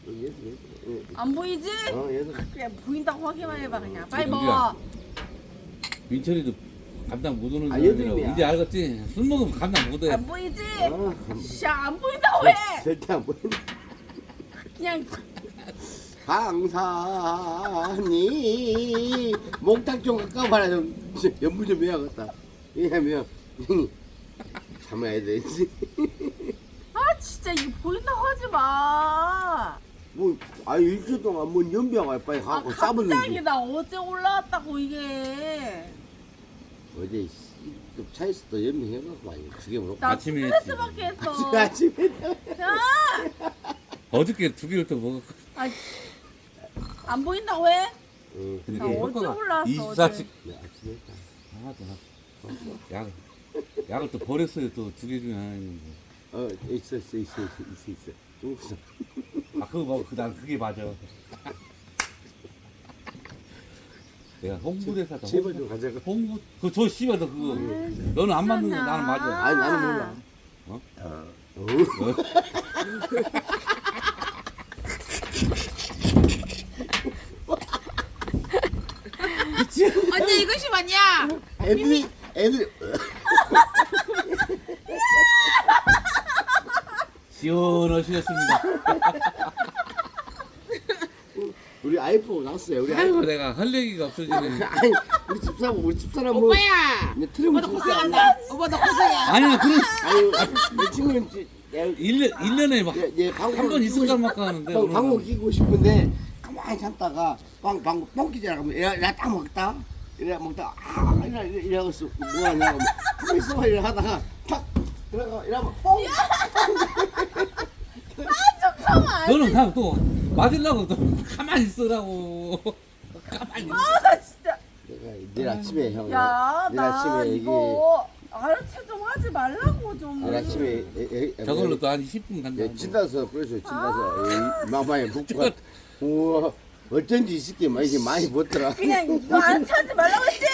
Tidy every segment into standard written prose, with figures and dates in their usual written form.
안 보이지? 얘도. 그냥 보인다고 확인만 해봐 그냥. 빨리 민규야. 먹어. 민철이도 감당 못하는 아, 사람이라고. 여드름이야. 이제 알겠지? 술 먹으면 감당 못해. 안 보이지? 어. 샤, 안 보인다고 해. 절대 안 보인다. 그냥 강산이 목탁 좀 가까워라 좀 연부 좀 해야겠다. 왜냐면 형이 참아야 되지. 아 진짜 이거 보인다고 하지 마. 뭐 일주일 동안 뭔 연병을 빨리 아 갖고 갑자기 싸봤는지. 나 어제 올라왔다고 이게. 어제 좀 차에서 또 연병해갖고 많이 죽여먹고. 나 아침에 스트레스 했지. 받게 했어. 아침에 야, 어저께 2개를 또 먹었고. 아, 안 보인다고 해? 응. 근데 나 그게 어제 효과가 올라왔어, 24시. 네, 아침에 했다. 약을 또 버렸어요. 또 2개 중에 하나 있는데. 있어. 좀 있어. 아 그거 먹어. 난 그게 맞아. 내가 홍보대사다. 제발 좀 가져가. 홍보 그저 씨발 너 그거. 너는 안 맞는 거 나는 맞아. 아니 나는 몰라. 어? 언니 이것이 맞냐? 애들이 시원하시겠습니다. 우리 아이폰 났어요. 우리 아이고 아이폰. 내가 할 얘기가 없어지네. 아니 우리 집사람 뭐 오빠야. 이제 트림을 오빠도 줬어. 고생한다. 오빠도 고생해. 아니야 그런 아니 내 친구는 1년에 막 얘 한 번 있을까 말까 하는데 방구 끼고 싶은데 가만히 참다가 방구 뻥끼잖아. 그러면 야딱 먹다. 이래 먹다 이래고 있어. 뭐하냐고 가만히 있어봐 이래 하다가 탁 들어가 이러면 뻥. 잠깐만. 너는 그냥 또 맞으려고 또 가만히 있으라고. 가만히. 나 진짜. 내가 내일 아침에 형. 야, 내일 나 아침에 이거 알아채 좀 하지 말라고 좀. 내일 아침에 저걸로 또 한 10분 간다. 진다서 그래서 진다서 마마에 북부가 우와 어쩐지 있을게 이게 많이 붙더라. 그냥 이거 안 차지 말라고 했지.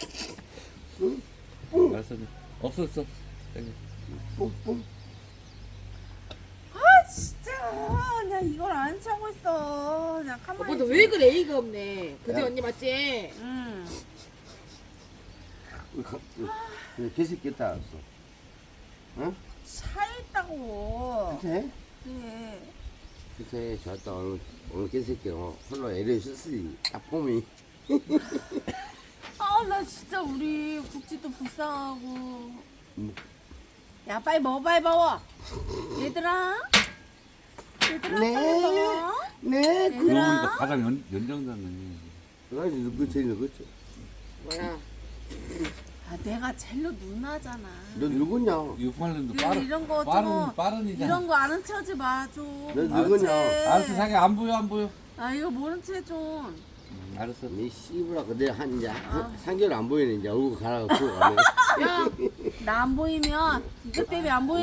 알았어. 없었어. 뿡뿡. 아 진짜 그냥 이걸 안 차고 있어. 그냥 가만히. 오빠도 있어. 왜 그래? 이가 없네. 그제 야. 언니 맞지? 응. 개새끼 있다 알았어. 응? 차 있다고. 그래? 그래. 그래 좋았다. 오늘 개새끼 홀로 애를 썼으니 딱 봄이. 아 나 진짜 우리 국지도 불쌍하고. 야 빨리 먹어 빨리 먹어. 얘들아. 얘들아 네. 빨리 먹어. 네. 그러고 보니까 얘들아. 가장 연장자네. 그래 누구 제일 누구지? 뭐야? 아 내가 젤로 누나잖아. 너 누구냐? 6팔년도 그래, 이런 거 좀- 빠른이잖아. 이런 거 아는 척하지 마 좀. 너 모른 누구냐? 채. 알았어 자기 안 보여. 아 이거 모른 채 좀. 알았어. 니 씨부라 그대 한 이제 3개월 안 보이는 이제 얼굴 가라고 보고 가네. 야, 나 안 보이면 이것 때문에 안 보이는